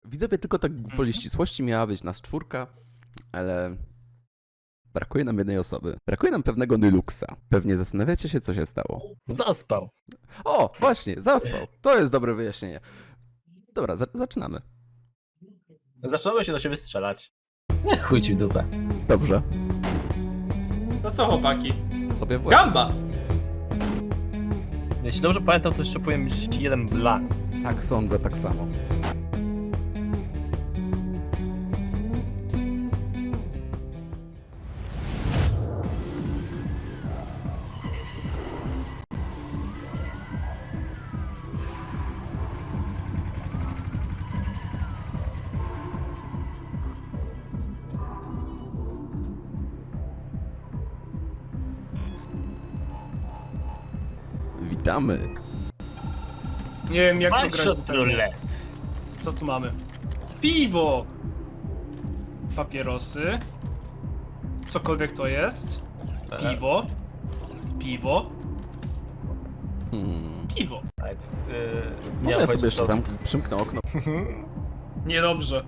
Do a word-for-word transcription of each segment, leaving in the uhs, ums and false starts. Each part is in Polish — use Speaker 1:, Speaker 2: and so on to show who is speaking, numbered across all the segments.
Speaker 1: Widzowie, tylko tak gwoli ścisłości miała być nas czwórka, ale brakuje nam jednej osoby. Brakuje nam pewnego Nyluxa. Pewnie zastanawiacie się, co się stało.
Speaker 2: Zaspał.
Speaker 1: O, właśnie, zaspał. To jest dobre wyjaśnienie. Dobra, za zaczynamy.
Speaker 2: Zaczęło się do siebie strzelać. Nie chuj ci w dupę.
Speaker 1: Dobrze.
Speaker 3: No co chłopaki?
Speaker 1: Sobie w łeb.
Speaker 3: Gamba!
Speaker 2: Jeśli dobrze pamiętam, to jeszcze powinien być jeden blank.
Speaker 1: Tak, sądzę tak samo. Witamy.
Speaker 3: Nie wiem jak to grać.
Speaker 2: Mindshot roulette.
Speaker 3: Co tu mamy? Piwo! Papierosy. Cokolwiek to jest. Piwo. Piwo.
Speaker 1: Hmm.
Speaker 3: Piwo.
Speaker 2: Right. Yy,
Speaker 1: Może
Speaker 2: nie
Speaker 1: ja
Speaker 2: mam
Speaker 1: sobie jeszcze
Speaker 2: pojęcia,
Speaker 1: tam przymknę okno.
Speaker 3: Niedobrze.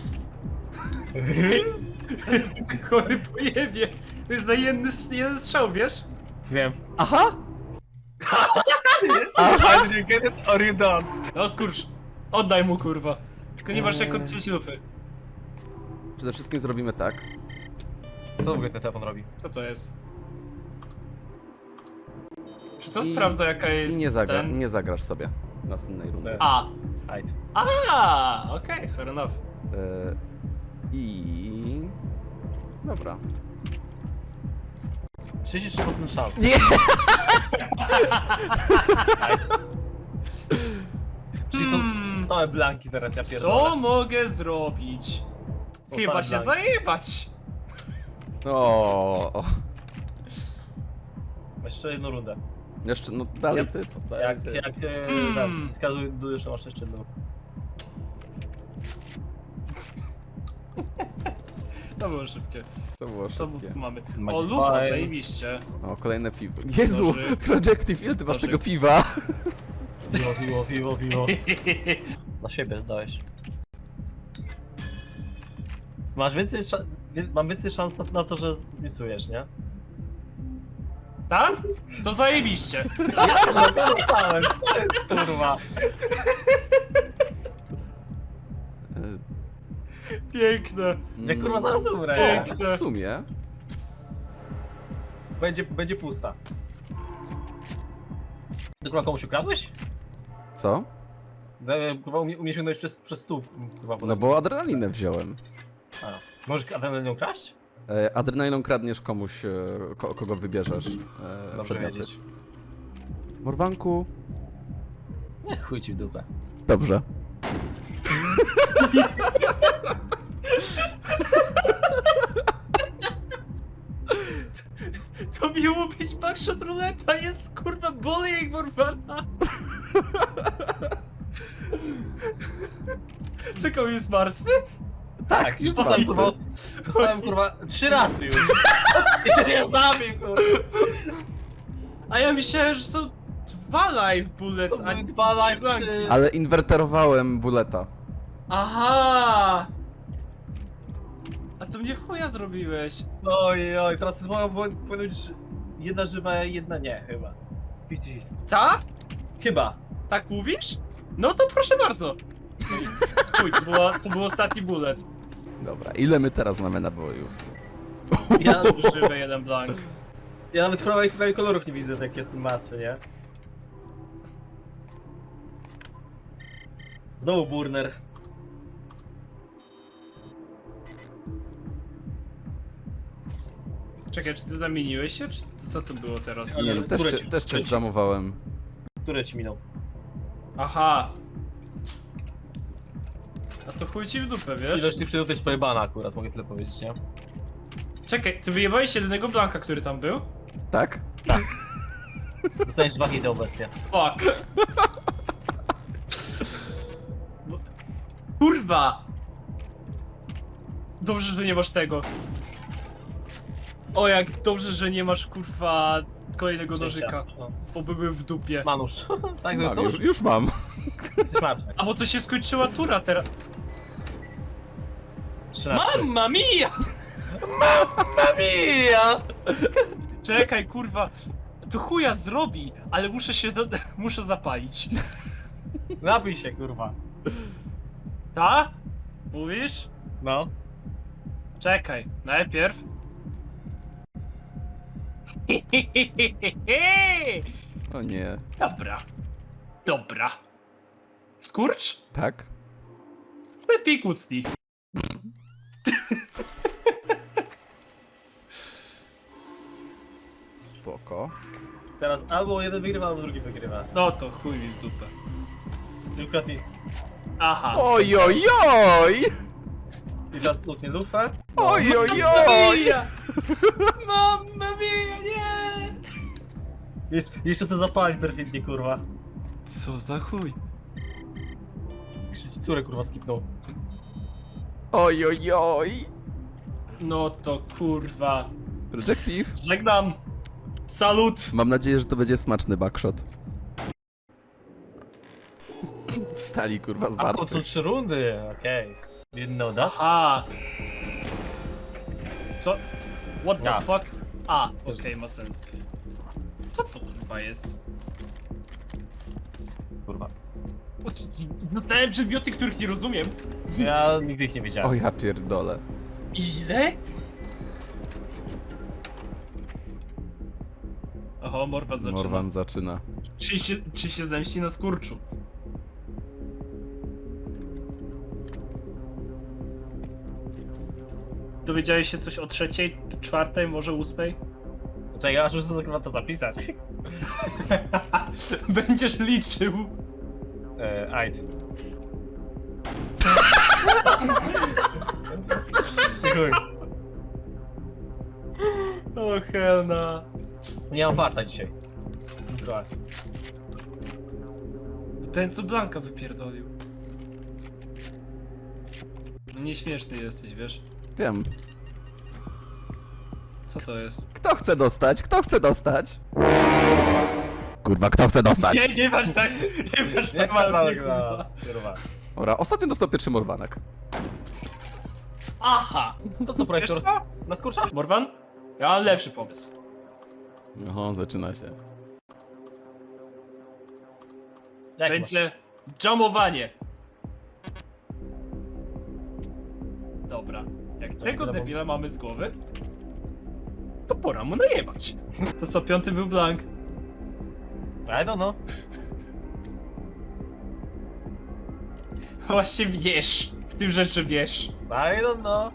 Speaker 3: Chory pojebie. To jest na jeden, jeden strzał, wiesz?
Speaker 2: co- Wiem.
Speaker 1: Aha!
Speaker 2: Either you get it or you don't.
Speaker 3: No skurcz. Oddaj mu kurwa. Tylko nie masz jak odciąć lufy.
Speaker 1: Przede wszystkim zrobimy tak.
Speaker 2: Co w ogóle ten telefon robi?
Speaker 3: Co to jest? Czy to
Speaker 1: I-
Speaker 3: sprawdza jaka
Speaker 1: I
Speaker 3: jest
Speaker 1: nie, zagra
Speaker 3: ten...
Speaker 1: nie zagrasz sobie następnej rundy.
Speaker 2: Nie.
Speaker 3: A.
Speaker 2: Right.
Speaker 3: A, okej, okay, fair enough.
Speaker 1: E, I... Dobra.
Speaker 2: trzydzieści trzy procent szans.
Speaker 1: Nie!
Speaker 2: Czyli są
Speaker 3: Hmm.
Speaker 2: całe blanki teraz, ja
Speaker 3: Co
Speaker 2: pierdolę.
Speaker 3: mogę zrobić?
Speaker 2: Są
Speaker 3: Chyba
Speaker 2: same
Speaker 3: się
Speaker 2: blanki.
Speaker 3: zajebać.
Speaker 1: O.
Speaker 2: Jeszcze jedną rundę.
Speaker 1: Jeszcze, no dalej
Speaker 2: Ja-
Speaker 1: ty. Dalej
Speaker 2: Jak,
Speaker 1: ty.
Speaker 2: jak e,
Speaker 3: Mm.
Speaker 2: tam, wskazuj, jeszcze masz jeszcze jedną.
Speaker 3: To było szybkie.
Speaker 1: To było
Speaker 3: Co
Speaker 1: szybkie.
Speaker 3: tu mamy? O,
Speaker 2: Magpie.
Speaker 3: lupa, zajebiście.
Speaker 1: O, kolejne piwo. Jezu!
Speaker 3: Nożyk.
Speaker 1: Projective, ile ty masz
Speaker 3: Nożyk.
Speaker 1: tego piwa?
Speaker 2: Piwo, piwo, piwo, piwo. Na siebie dałeś. Masz więcej szans, mam więcej szans na, na to, że zmisujesz, nie?
Speaker 3: Tak? To zajebiście.
Speaker 2: Ja to dostałem, co jest kurwa?
Speaker 1: E,
Speaker 3: Piękne.
Speaker 2: Ja kurwa zaraz umrę.
Speaker 1: O,
Speaker 3: Piękne.
Speaker 1: w sumie.
Speaker 2: Będzie, będzie pusta. Ty kurwa komuś ukradłeś?
Speaker 1: Co?
Speaker 2: E, Kurwa umie, umie sięgnąć przez, przez stół. Kurwa,
Speaker 1: No bo adrenalinę wziąłem.
Speaker 2: A. Możesz adrenaliną kraść?
Speaker 1: E, adrenaliną kradniesz komuś, e, ko kogo wybierzesz. E,
Speaker 2: Dobrze
Speaker 1: przedmioty.
Speaker 2: wiedzieć.
Speaker 1: Morwanku.
Speaker 2: Nie chuj ci w dupę.
Speaker 1: Dobrze.
Speaker 3: To miało być backshot ruleta, jest kurwa bullying Morwana. Czekał, jest martwy?
Speaker 2: Tak,
Speaker 1: jest
Speaker 2: dostałem
Speaker 1: martwy.
Speaker 2: kurwa, dostałem kurwa trzy razy już. Jeszcze cię zabił kurwa.
Speaker 3: A ja myślałem, że są dwa live bullets,
Speaker 2: To
Speaker 3: a
Speaker 2: były dwa live,
Speaker 3: trzy
Speaker 2: trzy.
Speaker 3: blanki.
Speaker 1: Ale inwerterowałem buleta.
Speaker 3: Aha! A to mnie w chuja zrobiłeś.
Speaker 2: Oj, oj, teraz jest moja, powinno być jedna żywa, jedna nie, chyba. pięćdziesiąt pięćdziesiąt.
Speaker 3: Co?
Speaker 2: Chyba.
Speaker 3: Tak mówisz? No to proszę bardzo. Chuj, to, była, to był ostatni bullet.
Speaker 1: Dobra, ile my teraz mamy nabojów?
Speaker 2: Ja,
Speaker 3: Żywy jeden blank.
Speaker 2: ja nawet prawie, prawie kolorów nie widzę, jak jestem martwy, nie? Znowu burner.
Speaker 3: Czekaj, czy ty zamieniłeś się, czy co to było teraz?
Speaker 1: Nie, no, też,
Speaker 2: Które
Speaker 1: cię-
Speaker 2: ci-
Speaker 1: też cię
Speaker 2: które ci-
Speaker 1: zdżamowałem.
Speaker 2: Które ci minął?
Speaker 3: Aha. A to chuj ci w dupę, wiesz?
Speaker 2: Ilość tych przydów jest pojebana akurat, mogę tyle powiedzieć, nie?
Speaker 3: Czekaj, ty wyjebałeś jedynego blanka, który tam był?
Speaker 1: Tak?
Speaker 2: Dostaniesz dwa hity obecnie.
Speaker 3: Fuck. Bo- Kurwa! Dobrze, że nie masz tego. O, jak dobrze, że nie masz kurwa kolejnego nożyka.
Speaker 2: No.
Speaker 3: Bo były w dupie.
Speaker 2: Manusz. Tak, to jest
Speaker 1: Mam, już,
Speaker 2: nóż?
Speaker 1: już mam.
Speaker 2: Jesteś martwy.
Speaker 3: A bo to się skończyła tura teraz.
Speaker 2: trzy na trzy.
Speaker 3: Mamma mia!
Speaker 2: Mamma mia!
Speaker 3: Czekaj, kurwa. To chuja zrobi, ale muszę się, do... muszę zapalić.
Speaker 2: Napij się, kurwa.
Speaker 3: Ta? Mówisz?
Speaker 2: No.
Speaker 3: Czekaj, najpierw.
Speaker 1: O nie.
Speaker 3: Dobra. Dobra. Skurcz?
Speaker 1: Tak?
Speaker 3: Lepiej kucnij.
Speaker 1: Spoko.
Speaker 2: Teraz albo jeden wygrywa, albo drugi wygrywa.
Speaker 3: No to chuj mi w dupę.
Speaker 2: Tylko ty.
Speaker 3: Aha.
Speaker 1: Oj, oj, oj!
Speaker 2: I teraz utnie lufę.
Speaker 1: Oj, oj, oj!
Speaker 3: Mamma mia, nie!
Speaker 2: Jest, jeszcze chcę zapalić perfidnie, kurwa.
Speaker 3: Co za chuj?
Speaker 2: Jeszcze ci córę, kurwa, skipnął.
Speaker 1: Oj, oj, oj!
Speaker 3: No to kurwa.
Speaker 1: Projective.
Speaker 3: Żegnam. Salut.
Speaker 1: Mam nadzieję, że to będzie smaczny backshot. Wstali kurwa z
Speaker 2: A po co
Speaker 1: martwych.
Speaker 2: trzy rundy? Okej. Okay. Didn't know that.
Speaker 3: Aha. Co? What the
Speaker 2: Ja.
Speaker 3: fuck? A, okej, ma sens. Co to kurwa jest?
Speaker 2: Kurwa.
Speaker 3: Dostałem przedmioty, których nie rozumiem.
Speaker 2: Ja nigdy ich nie wiedziałem.
Speaker 1: O ja pierdolę.
Speaker 3: Ile? Oho, Morwan zaczyna.
Speaker 1: Morwan zaczyna.
Speaker 3: Czy się, czy się zemści na skurczu? Dowiedziałeś się coś o trzeciej, czwartej, może ósmej?
Speaker 2: Czekaj, ja aż muszę sobie kurwa to zapisać.
Speaker 3: Będziesz liczył.
Speaker 2: Eee, ajd. Chuj.
Speaker 3: O helna.
Speaker 2: Nie mam farta dzisiaj. Kurwa.
Speaker 3: Ten co Blanka wypierdolił. No nieśmieszny jesteś, wiesz?
Speaker 1: Wiem.
Speaker 3: Co to jest?
Speaker 1: Kto chce dostać? Kto chce dostać? Kurwa, kto chce dostać?
Speaker 3: Nie, nie masz tak, nie masz
Speaker 2: Nie
Speaker 3: tak
Speaker 2: ma
Speaker 3: na mnie,
Speaker 2: żadnych
Speaker 3: kurwa.
Speaker 2: nas. Kurwa.
Speaker 1: Ora, ostatnio dostał pierwszy Morwanek.
Speaker 3: Aha!
Speaker 2: To co,
Speaker 3: Wiesz
Speaker 2: projektor?
Speaker 3: co?
Speaker 2: Na skurcza?
Speaker 3: Morwan? Ja mam lepszy pomysł.
Speaker 1: Oho, zaczyna się.
Speaker 2: Jak
Speaker 3: Będzie jamowanie. Dobra. Jak tego
Speaker 2: dobra, bo-
Speaker 3: debila mamy z głowy, to pora mu najebać. To co, piąty był blank.
Speaker 2: I don't know.
Speaker 3: Właśnie wiesz. W tym rzeczy wiesz.
Speaker 2: I don't know.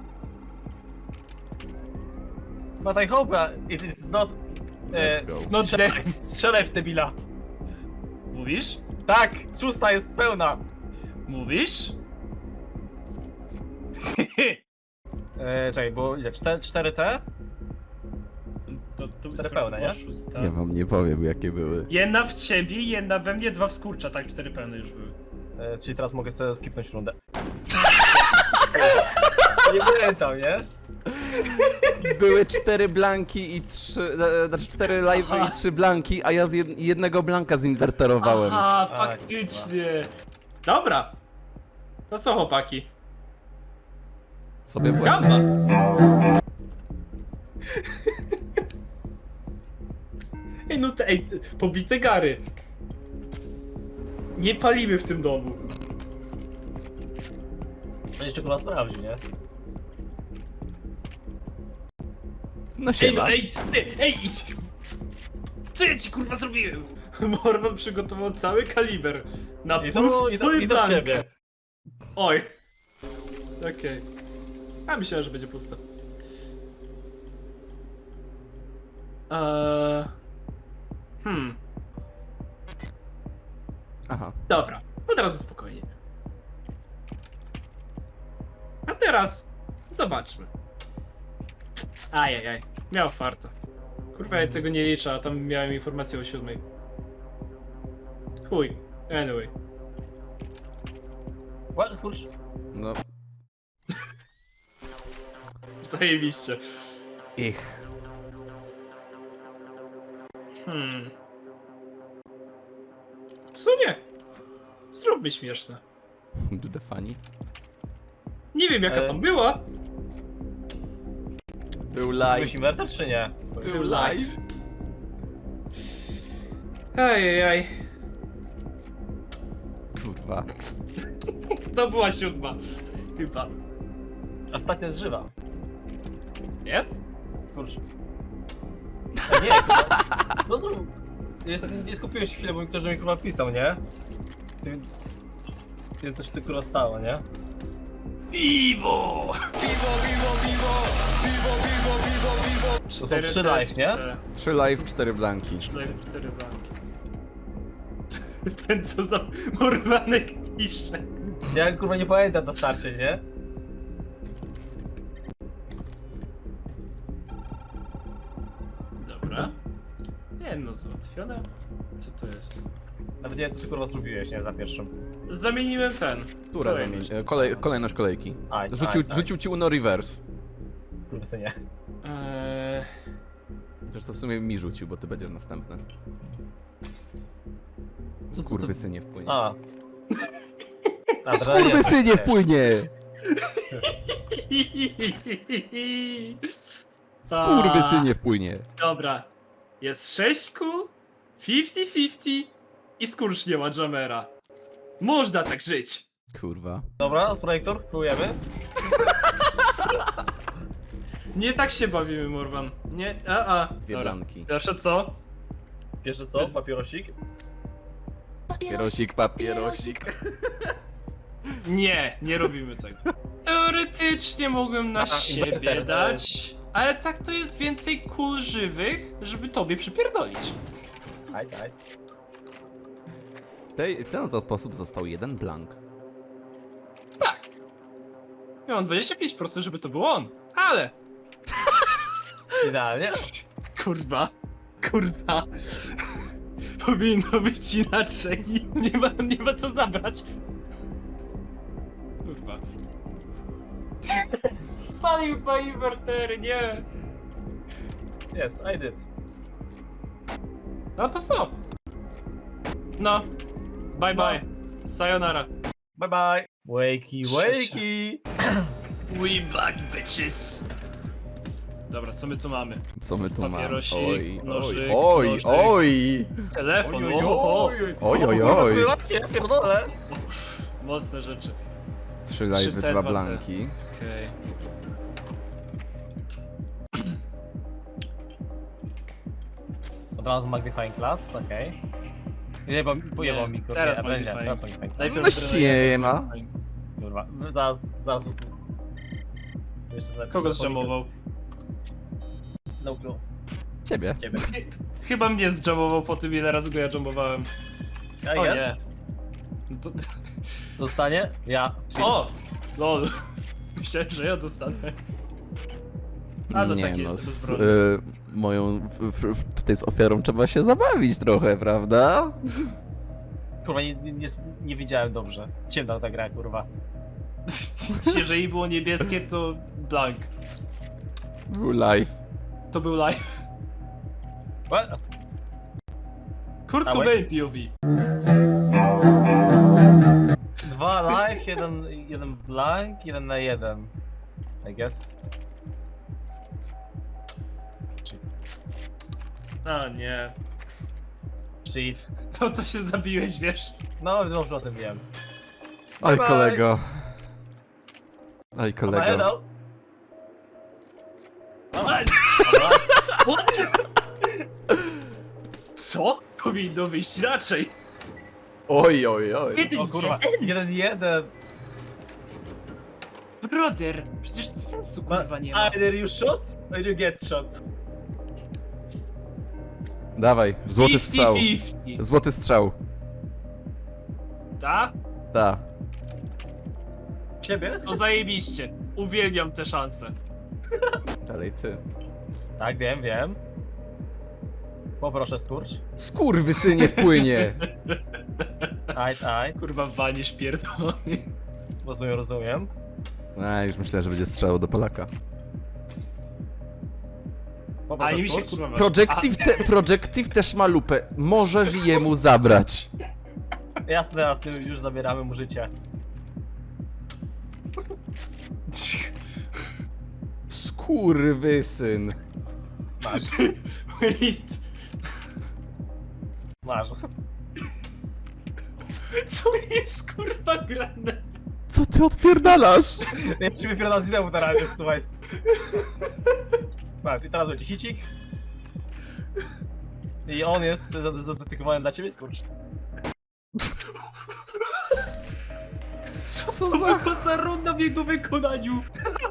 Speaker 2: But I hope uh, it is not... E,
Speaker 1: Let's go.
Speaker 3: No
Speaker 2: strzelaj,
Speaker 3: damn.
Speaker 2: strzelaj w debila.
Speaker 3: Mówisz?
Speaker 2: Tak, szósta jest pełna.
Speaker 3: Mówisz?
Speaker 2: E, czekaj, bo ile? cztery T?
Speaker 3: To, to
Speaker 2: Cztery pełne, nie?
Speaker 3: Szósta.
Speaker 1: Ja wam nie powiem, jakie były.
Speaker 3: Jedna w ciebie, jedna we mnie, dwa w skurcza. Tak, cztery pełne już były.
Speaker 2: E, czyli teraz mogę sobie skipnąć rundę. Nie pamiętam, nie?
Speaker 1: Były cztery blanki i trzy... e, Znaczy cztery live
Speaker 3: Aha.
Speaker 1: i trzy blanki, a ja z jed jednego blanka zinwerterowałem.
Speaker 3: Aha,
Speaker 2: A,
Speaker 3: faktycznie. Dobra. To co, chłopaki?
Speaker 1: Sobie byłem.
Speaker 3: Gamba! Ej, no te, ej, pobite gary. Nie palimy w tym domu.
Speaker 2: To jeszcze kurwa sprawdzi, nie?
Speaker 1: No
Speaker 3: Ej,
Speaker 1: siema.
Speaker 3: no, ej, ej, ej, idź! Co ja ci kurwa zrobiłem? Morwan przygotował cały kaliber na
Speaker 2: I to, i to,
Speaker 3: pusty
Speaker 2: i to
Speaker 3: blank.
Speaker 2: ciebie.
Speaker 3: Oj. Okej. A myślałem, że będzie pusto. Eee... Hmm.
Speaker 1: Aha.
Speaker 3: Dobra. Od razu spokojnie. A teraz zobaczmy. Ajajaj. Miał farta. Kurwa, ja tego nie liczę, a tam miałem informację o siódmej. Chuj. Anyway.
Speaker 2: What, skurcz?
Speaker 1: No.
Speaker 3: Zajebiście.
Speaker 1: Ich.
Speaker 3: Hmm. W sumie. Zróbmy śmieszne.
Speaker 1: Do the funny.
Speaker 3: Nie wiem jaka
Speaker 2: E.
Speaker 3: tam była.
Speaker 1: Był
Speaker 2: Byłeś
Speaker 1: live.
Speaker 2: inwerter czy nie?
Speaker 3: Był live. Ajajaj.
Speaker 1: Kurwa.
Speaker 3: To była siódma. Chyba.
Speaker 2: Ostatnia jest żywa.
Speaker 3: Jest?
Speaker 2: Skurcz. A nie, kurwa. No zrób. Jest, nie skupiłem się chwilę, bo mi ktoś do mnie kurwa pisał, nie? Wiem, wiem coś tu kurwa stało, nie?
Speaker 3: Piwo!
Speaker 2: To są trzy live, nie?
Speaker 1: Trzy live, cztery blanki.
Speaker 3: Trzy live, cztery blanki. Ten co za morwanek pisze.
Speaker 2: Ja kurwa nie pamiętam na starcie, nie?
Speaker 3: Dobra. Nie no, załatwione. Co to jest?
Speaker 2: Nawet nie wiem co ty kurwa zrobiłeś, nie? Za pierwszym.
Speaker 3: Zamieniłem ten.
Speaker 1: Która
Speaker 3: Kolejność.
Speaker 1: zamieni... Kolej... Kolejność kolejki.
Speaker 2: Aj,
Speaker 1: Rzucił,
Speaker 2: aj, aj.
Speaker 1: rzucił ci Uno reverse.
Speaker 2: Skurwysynie.
Speaker 3: Eee,
Speaker 1: Chociaż to w sumie mi rzucił, bo ty będziesz następny.
Speaker 2: Co, co ty...
Speaker 1: Skurwysynie wpłynie.
Speaker 2: A. A,
Speaker 1: Skurwysynie wpłynie! Skurwysynie wpłynie.
Speaker 3: Dobra. Jest sześć kół, pięćdziesiąt pięćdziesiąt i skurcz nie ma jamera. Można tak żyć.
Speaker 1: Kurwa.
Speaker 2: Dobra, projektor, próbujemy.
Speaker 3: Nie tak się bawimy, Morwan. Nie, a, a.
Speaker 1: Dwie
Speaker 3: Dobra.
Speaker 1: blanki.
Speaker 3: Pierwsze co?
Speaker 2: Pierwsze co? Papierosik.
Speaker 1: Papierosik, papierosik.
Speaker 3: Nie, nie robimy tego. Teoretycznie mogłem na
Speaker 2: Aha,
Speaker 3: siebie
Speaker 2: inwerter,
Speaker 3: dać, ale tak to jest więcej kul żywych, żeby tobie przypierdolić.
Speaker 2: Aj, aj.
Speaker 1: W tej- W ten oto sposób został jeden blank.
Speaker 3: Tak. Miałem dwadzieścia pięć procent, żeby to był on, ale...
Speaker 2: Idealnie.
Speaker 3: Kurwa. Kurwa. Powinno być inaczej. Nie ma, nie ma co zabrać. Kurwa. Spalił dwa inwertery, nie.
Speaker 2: Yes, I did.
Speaker 3: No to co? No. Bye bye. Sayonara.
Speaker 2: Bye bye. Wakey, wakey.
Speaker 3: We back, bitches. Dobra, co my tu mamy?
Speaker 1: Co my tu mamy?
Speaker 3: Papierosik,
Speaker 1: Oj,
Speaker 3: nożyk,
Speaker 1: oj,
Speaker 3: nożyk.
Speaker 1: oj,
Speaker 3: Telefon,
Speaker 2: Oj,
Speaker 3: oho.
Speaker 2: oj, oj,
Speaker 1: Oj, oj,
Speaker 2: kurwa, co
Speaker 1: oj.
Speaker 2: wy macie? Ja pierdolę.
Speaker 3: Mocne rzeczy.
Speaker 1: Trzy live,
Speaker 3: te,
Speaker 1: dwa
Speaker 3: dwa te.
Speaker 1: blanki.
Speaker 3: Okej.
Speaker 2: Od razu magnifying glass, okej. Nie, bo pojebał mi kurwa.
Speaker 3: teraz
Speaker 2: nie, nie,
Speaker 3: magnifying.
Speaker 2: teraz magnifying glass.
Speaker 3: Najpierw
Speaker 1: Właśnie ma.
Speaker 2: Kurwa, zaraz, zaraz. Jeszcze zaraz.
Speaker 3: Kogo zjamował?
Speaker 2: No clue.
Speaker 1: Ciebie.
Speaker 2: Ciebie.
Speaker 3: Chyba mnie zjamował po tym, ile razy go ja jamowałem.
Speaker 2: A
Speaker 3: O
Speaker 2: jest?
Speaker 3: nie. To...
Speaker 2: Dostanie? Ja.
Speaker 3: O! Lol. Myślałem, że ja dostanę. A no
Speaker 1: Nie
Speaker 3: tak
Speaker 1: no,
Speaker 3: jest,
Speaker 1: z
Speaker 3: bezbronny.
Speaker 1: y, moją, w, w, tutaj z ofiarą trzeba się zabawić trochę, prawda?
Speaker 2: Kurwa, nie, nie, nie, nie widziałem dobrze. Ciemna ta gra, kurwa.
Speaker 3: Jeżeli było niebieskie, to blank.
Speaker 1: Był live.
Speaker 3: To był live.
Speaker 2: What?
Speaker 3: Kurt
Speaker 2: Dawaj.
Speaker 3: Cobain P O V.
Speaker 2: Dwa live, jeden, jeden blank, jeden na jeden. I guess.
Speaker 3: A nie.
Speaker 2: Cheat.
Speaker 3: No to się zabiłeś, wiesz.
Speaker 2: No, dobrze o tym wiem.
Speaker 1: Oj,
Speaker 2: Bye.
Speaker 1: kolego. Oj,
Speaker 2: Kolego.
Speaker 1: kolego.
Speaker 3: What? Co? Powinno wyjść raczej.
Speaker 1: Oj, oj, oj.
Speaker 2: O kurwa, jeden jeden.
Speaker 3: Brother, przecież to sensu kurwa nie ma.
Speaker 2: Either you shot, or you get shot.
Speaker 1: Dawaj, złoty strzał.
Speaker 3: pięćdziesiąt pięćdziesiąt.
Speaker 1: Złoty strzał.
Speaker 3: Ta?
Speaker 1: Ta.
Speaker 2: Ciebie?
Speaker 3: To zajebiście. Uwielbiam te szanse.
Speaker 1: Dalej ty.
Speaker 2: Tak, wiem, wiem. Poproszę skurcz.
Speaker 1: Skurwysynie wpłynie.
Speaker 2: Aj, aj.
Speaker 3: Kurwa wanisz pierdolony.
Speaker 2: Rozumiem, rozumiem.
Speaker 1: A, już myślałem, że będzie strzał do Polaka.
Speaker 3: A
Speaker 2: Poproszę
Speaker 3: nie mi się
Speaker 2: skurcz.
Speaker 3: kurwa waży.
Speaker 1: Projective, te, Projective też ma lupę. Możesz jemu zabrać.
Speaker 2: Jasne, jasne, już zabieramy mu życie.
Speaker 1: Kurwysyn.
Speaker 2: Masz,
Speaker 3: Wait.
Speaker 2: masz.
Speaker 3: Co jest kurwa grane?
Speaker 1: Co ty odpierdalasz?
Speaker 2: Ja ci wypierdam z idemu na razie, słuchaj. Patrz, i teraz będzie hicik. I on jest za- zadedykowany dla ciebie, skurcz.
Speaker 3: Co to była za runda w jego wykonaniu?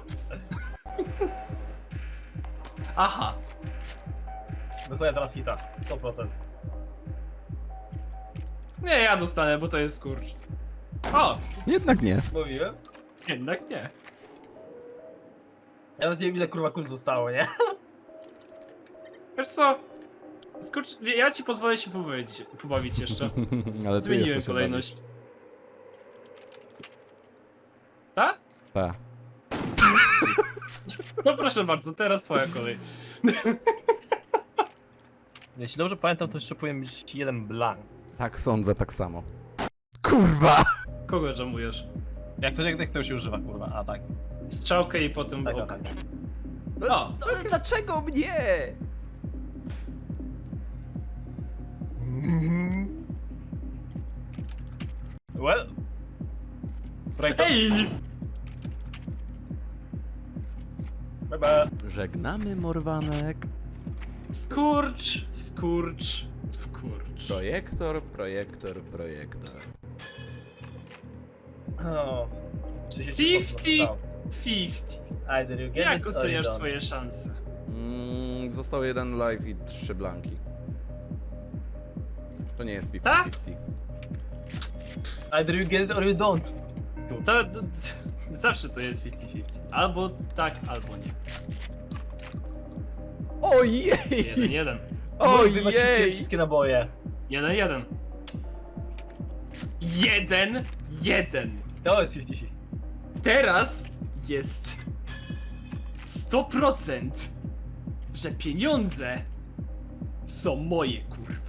Speaker 3: Aha.
Speaker 2: Dostaję teraz hita, sto procent.
Speaker 3: Nie, ja dostanę, bo to jest skurcz. O!
Speaker 1: Jednak nie.
Speaker 2: Mówiłem?
Speaker 3: Jednak nie.
Speaker 2: Ja nawet nie wiem ile kurwa kul zostało, nie?
Speaker 3: Wiesz co? Skurcz, ja ci pozwolę się pobawić, pobawić jeszcze.
Speaker 1: Ale ty
Speaker 3: Zmieniłem
Speaker 1: jeszcze się
Speaker 3: kolejność. Tak?
Speaker 1: bawisz. Ta.
Speaker 3: No proszę bardzo, teraz twoja kolej.
Speaker 2: Jeśli dobrze pamiętam, to jeszcze powinien być jeden blank.
Speaker 1: Tak sądzę, tak samo. Kurwa!
Speaker 3: Kogo żamujesz?
Speaker 2: Jak to, jak to się używa, kurwa? A tak.
Speaker 3: Strzałkę i potem
Speaker 2: Tak,
Speaker 3: ok.
Speaker 2: tak.
Speaker 3: O!
Speaker 1: Ale dlaczego mnie?
Speaker 2: Well. Projekt.
Speaker 3: Ej!
Speaker 2: Bye.
Speaker 1: Żegnamy, Morwanek.
Speaker 3: Skurcz, skurcz, skurcz.
Speaker 1: Projektor, projektor, projektor.
Speaker 2: O.
Speaker 3: Fifty. Fifty.
Speaker 2: Either you get
Speaker 3: Jak
Speaker 2: it or you
Speaker 3: oceniasz
Speaker 2: don't.
Speaker 3: swoje szanse?
Speaker 1: Mm, został jeden live i trzy blanki. To nie jest
Speaker 3: Tak?
Speaker 1: fifty fifty.
Speaker 2: Either you get it or you don't.
Speaker 3: To, to, to zawsze to jest fifty fifty. Albo tak, albo nie.
Speaker 1: Ojej!
Speaker 3: Jeden, jeden.
Speaker 2: Wy masz wszystkie,
Speaker 1: Ojej!
Speaker 2: wszystkie naboje.
Speaker 3: Jeden, jeden. Jeden, jeden.
Speaker 2: To jest fifty fifty.
Speaker 3: Teraz jest sto procent, że pieniądze są moje, kurwa.